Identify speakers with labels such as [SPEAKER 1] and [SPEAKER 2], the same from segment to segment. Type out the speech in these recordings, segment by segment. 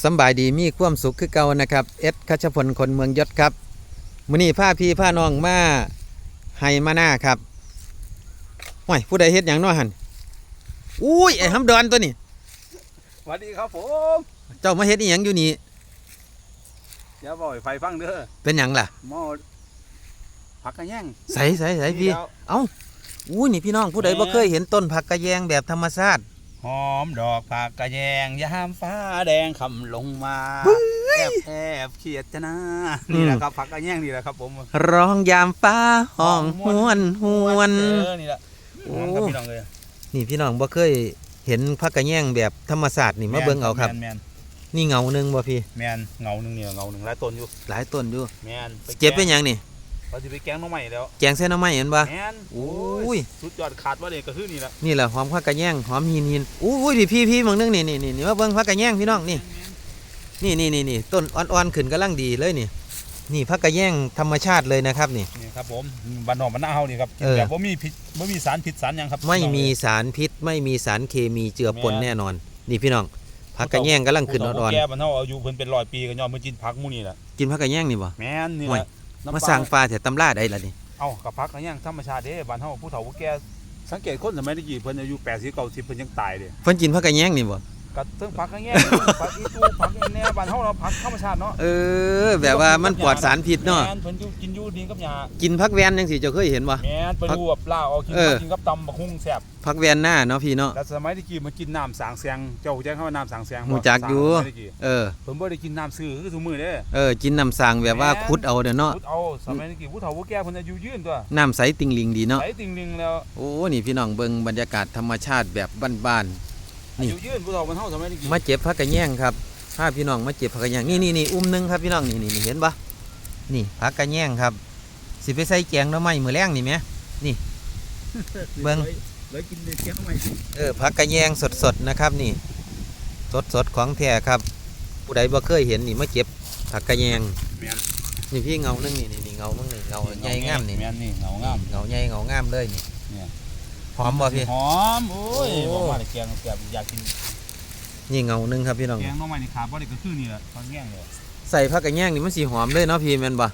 [SPEAKER 1] สำบายดีมีความสุขคือเก่านะครับเอสคัชพลคนเมืองยศครับมื้อนี้พาพี่พาน้องมาให้มาหน้าครับห้วยผู้ใดเฮ็ดหยังน้อหั่นอุ้ยไอ้หำดอนตัวนี้
[SPEAKER 2] สวัสดีครับผม
[SPEAKER 1] เจ้ามาเฮ็ดอีหยังอยู่นี่
[SPEAKER 2] อย่าบ่อยไฟฟังเด้อ
[SPEAKER 1] เป็นหยังล่ะ
[SPEAKER 2] หม้อผักกระแยง
[SPEAKER 1] ใส่พี่เอ้าอุ้ยนี่พี่น้องผู้ใดบ่เคยเห็นต้นผักกระแยงแบบธรรมชาติ
[SPEAKER 2] หอมดอกผักกระแยงยามฟ้าแดงคำลงมาแอบเขียดจะนะนี่แหละครับผักกระแยงนี่แหละครับผม
[SPEAKER 1] ร้องยามฟ้าห้องหวน
[SPEAKER 2] นี่แหละ
[SPEAKER 1] โอ้
[SPEAKER 2] พี่น้องเลย
[SPEAKER 1] นี่พี่น้องบ่เคยเห็นผักกระแยงแบบธรรมชาตินี่มาเบิ่งเอาครับนี่เงาหนึ่งบ่พี่
[SPEAKER 2] แมนเงาหนึ่งเนี่ยเงาหนึ่งหลายต้นอยู่
[SPEAKER 1] แมนเจ็บเป็นยังนี่
[SPEAKER 2] เราจะไปแกงน้องใหม่แล้ว
[SPEAKER 1] แกงเส้นน้ำไหม้เห็นบ่
[SPEAKER 2] แมน
[SPEAKER 1] โอ้ย
[SPEAKER 2] สุดยอดขาดว่าเลยก็คือนี่แหละ
[SPEAKER 1] นี่แหละหอมผักกระแยงหอมหินอุ้ยพี่มึงนึงนี่มาเบิ่งผักกระแยงพี่น้องนี่ต้นอ่อนๆขึ้นกำลังดีเลยนี่ผักกระแยงธรรมชาติเลยนะครับนี่
[SPEAKER 2] ครับผมบ้านนอกบ้านนาเฮานี่ครับแบบว่ามีพิษว่ามีสารพิษสารยังครับ
[SPEAKER 1] ไม่มีสารพิษไม่มีสารเคมีเจือปนแน่นอนนี่พี่น้องผักกระแยงกำลังขึ้นอ่อน
[SPEAKER 2] ๆแก่บ้านเฮาอายุเพิ่นเป็น100 ปีก็ยอมมากินผักหมู่นี่แหละ
[SPEAKER 1] กินผักกระแยงนี่บ่
[SPEAKER 2] แม่นนี่แหละ
[SPEAKER 1] มาสร้างปลาแต่ตำราได้ล่ะนี่
[SPEAKER 2] เอ้ากับผักกระแยงธรรมชาติเด้บ้านเฮาผู้เฒ่าผู้แก่สังเกตคนสมัยตะกี้เพิ่นอายุ80 90เพิ่นยังตายเด้
[SPEAKER 1] เพิ่นกินผักกระแยงนี่บ่
[SPEAKER 2] ก็เทิงผักกระแยงผักอีตูผักแหน่บ้านเฮาเราผักธรรมชาติเนาะ
[SPEAKER 1] แบบว่ามันปลอดสารพิษเนาะ
[SPEAKER 2] แม่นเพิ่นกินอยู่ดินกับหญ้า
[SPEAKER 1] กินผักแวนจังซี่เจ้าเคยเห็นบ่
[SPEAKER 2] แม่นเพิ่นรู้ว่าปลาเอากินกับตำบักหุ่งแซ่บ
[SPEAKER 1] ผักแวนหน้าเนาะพี่เนาะ
[SPEAKER 2] แต่สมัยตะกี้มันกินน้ำสางแสงเจ้าฮู้จักคำว่าน้ำสางแสง
[SPEAKER 1] ฮู้จักอยู่
[SPEAKER 2] เพิ่นบ่ได้กินน้ำซื่อคือซุมื้อเด้
[SPEAKER 1] กินน้ำสางแบบว่าขุดเอาเด้อเนาะ
[SPEAKER 2] ขุดเอาสมัยตะกี้ผู้เฒ่าผู้แก่เพิ่นอายุยืนตัว
[SPEAKER 1] น้ำใสติ่งลิงดีเนาะ
[SPEAKER 2] ใสติ่งลิงแล้ว
[SPEAKER 1] โอ้นี่พี่น้องเบิ่งบรรยากาศธรรมชาติแบบบ้าน
[SPEAKER 2] นี่อายุยืนผู้เฒ่ามันเฮาสมัยตะกี้
[SPEAKER 1] มาเจ็บผักกระแยงครับพาพี่น้องมาเจ็บผักกระแยงนี่อุ้มนึงครับพี่น้องนี่เห็นบ่นี่ผักกระแยงครับสิไปใส่แกงหน่อไม้มื้อแลงนี่แหมนี่เบิ่ง
[SPEAKER 2] เลยกินแกงหน่อไม้
[SPEAKER 1] ผักกระแยงสดๆนะครับนี่สดของแท้ครับผู้ใดบ่เคยเห็นนี่มาเก็บผักกระแยงนี่พี่เงานึงนี่เงามึงนี่เงาใหญ่งามนี่
[SPEAKER 2] เงางาม
[SPEAKER 1] เงาใหญ่เงางามเลยนี่หอมบ่พี่
[SPEAKER 2] หอมโอ้ยบอกว่าแกงแบบอยากกิน
[SPEAKER 1] นี่เงานึงครับพี่น้อง
[SPEAKER 2] แกงน้องใหม่นี่ขาบ่ได้ก็คือนี่แหละผักแยงเลย
[SPEAKER 1] ใส่ผักกระแยงนี่มันสีหอมเลยเนาะพี่แม่นบ่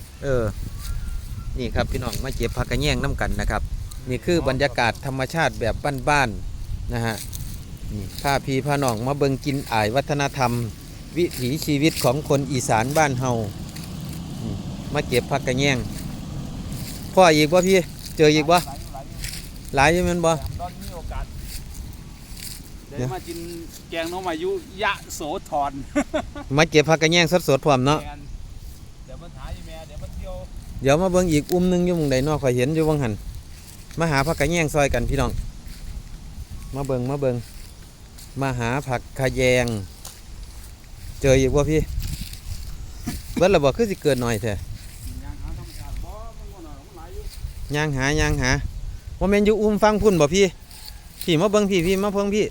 [SPEAKER 1] นี่ครับพี่น้องมาเก็บผักกระแยงน้ำกันนะครับนี่คือบรรยากาศธรรมชาติแบบบ้านๆนะฮะนี่พาพี่พาน้องมาเบิ่งกินอ่ายวัฒนธรรมวิถีชีวิตของคนอีสานบ้านเฮามาเก็บผักกระแยงพ่ออีกบ่พี่เจออีกบ่หลายอยู่แม่นบ่
[SPEAKER 2] เดี๋ยวมากินแกงน้องมายุยะโสธร
[SPEAKER 1] มาเก็บผักกระแยงสดๆพร้อมเนาะ
[SPEAKER 2] เดี๋ยวมาถ่ายแม่เดี๋ยวมาเที่ยว
[SPEAKER 1] เดี๋ยวมาเบิ่งอีกนึงอยู่หม้องใดเนาะข่อยเห็นอยู่วังหันมาหาผักกระแยงซอยกันพี่น้องมาเบิ่งมาหาผักกระแยงเจออีกบ่พี่เบิดละบ่คือสิเกิดหน่อยแท้ย่างหาว่าแม่นอยู่ฟังพุ่นบ่พี่มาเบิ่งพี่มาเพิ่งพี่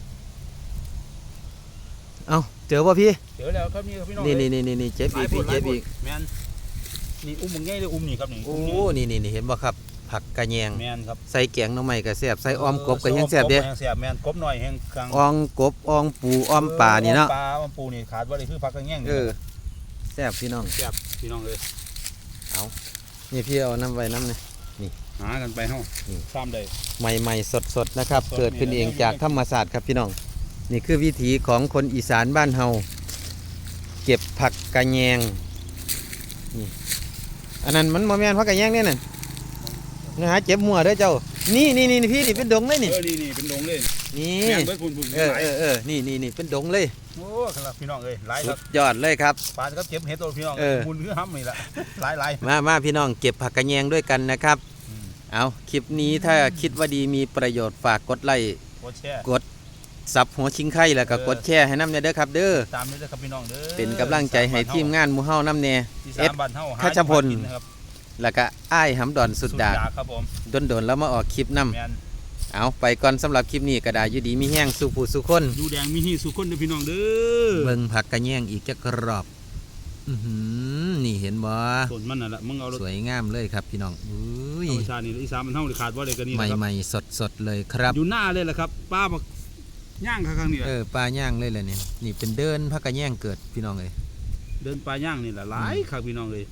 [SPEAKER 1] เอาเจอบ่พี่
[SPEAKER 2] เจอแล้วครับนี่ครับพี่น้อง
[SPEAKER 1] นี่เจ็บอีกพี่เจ็บอีก
[SPEAKER 2] แม่นนี่มันง่ายเลยนี่ครับนี่
[SPEAKER 1] โอ้นี่เห็นบ่ครับผักกระแยง
[SPEAKER 2] แม่นครับ
[SPEAKER 1] ใส่แกงหน่อไม้ก็แซ่บใส่อ้อมกบก็แห้งแซ่บเด้
[SPEAKER 2] แซ่บแม่นกบหน่อยแห้งกลาง
[SPEAKER 1] อ้อมกบอ้อมปูอ้อมปลานี่เนาะ
[SPEAKER 2] ปลาอ้อมปูนี่ขาดบ่ได้คือผักกระแยง
[SPEAKER 1] แซ่บพี่น้อง
[SPEAKER 2] แซ่บพี่น้องเลย
[SPEAKER 1] เอานี่พี่เอาน้ำไว้น้ำนี่
[SPEAKER 2] หากันไปเฮาซ้ำได้
[SPEAKER 1] ใหม่ๆสดๆนะครับเกิดขึ้นเองจากธรรมศาสตร์ครับพี่น้องนี่คือวิถีของคนอีสานบ้านเฮาเก็บผักกระแยงนี่อันนั้นมันบ่แม่นผักกระแยงเนี่ยน่ะนะฮะเจ็บหัวเด้อเจ้านี่พี่นี่เป็นดงเลยนี่
[SPEAKER 2] นี่เป็นดงเลย
[SPEAKER 1] นี่นี่เป็นดงเลย
[SPEAKER 2] โอ้ครับพี่น้องหลายครับ
[SPEAKER 1] ยอดเลยครับ
[SPEAKER 2] ปลาครับเก็บเห็ดตัวพี่น้องบุญคือห้ำนี่แหละหลาย
[SPEAKER 1] มาพี่น้องเก็บผักกระแยงด้วยกันนะครับเอาคลิปนี้ถ้าคิดว่าดีมีประโยชน์ฝากกดไลค์กดซับหัวชิงไข่แล้วก็กดแชร์ให้น้ำเด้อครับเด้อ
[SPEAKER 2] ตามนี้เด้อครับพี่น้องเด้อ
[SPEAKER 1] เป็นกำลังใจให้ทีมงานหมู่เฮาน้ำแน่เอ็ดคัชพลแล้วก็อ้ายหำดอนสุดดา
[SPEAKER 2] ครับผม
[SPEAKER 1] โดนแล้วมาออกคลิปนำเอาไปก่อนสำหรับคลิปนี้ก็ได้อยู่ดีมีแห้งสุผู้สุคน
[SPEAKER 2] ดูแดงมีหีสุคนเด้อพี่น้องเด้อ
[SPEAKER 1] เบิ่งผักกระแยงอีกจะกรอบนี่เห็นบ่
[SPEAKER 2] ต้นมันน่ะละมึงเอา
[SPEAKER 1] สวยงามเลยครับพี่น้อง
[SPEAKER 2] ธรรมชาตินี่อีสานมันเท่าขาดว่าเลยกันนี่
[SPEAKER 1] ใหม่ๆสดๆเลยครับ
[SPEAKER 2] อยู่หน้าเลยแหละครับป้าย่างข้างนี้
[SPEAKER 1] ปลาย่างเลยแหละเนี่ยนี่เป็นเดินพักกระแย่งเกิดพี่น้องเลย
[SPEAKER 2] เดินปลาย่างนี่แหละหลายครับพี่น้องเลย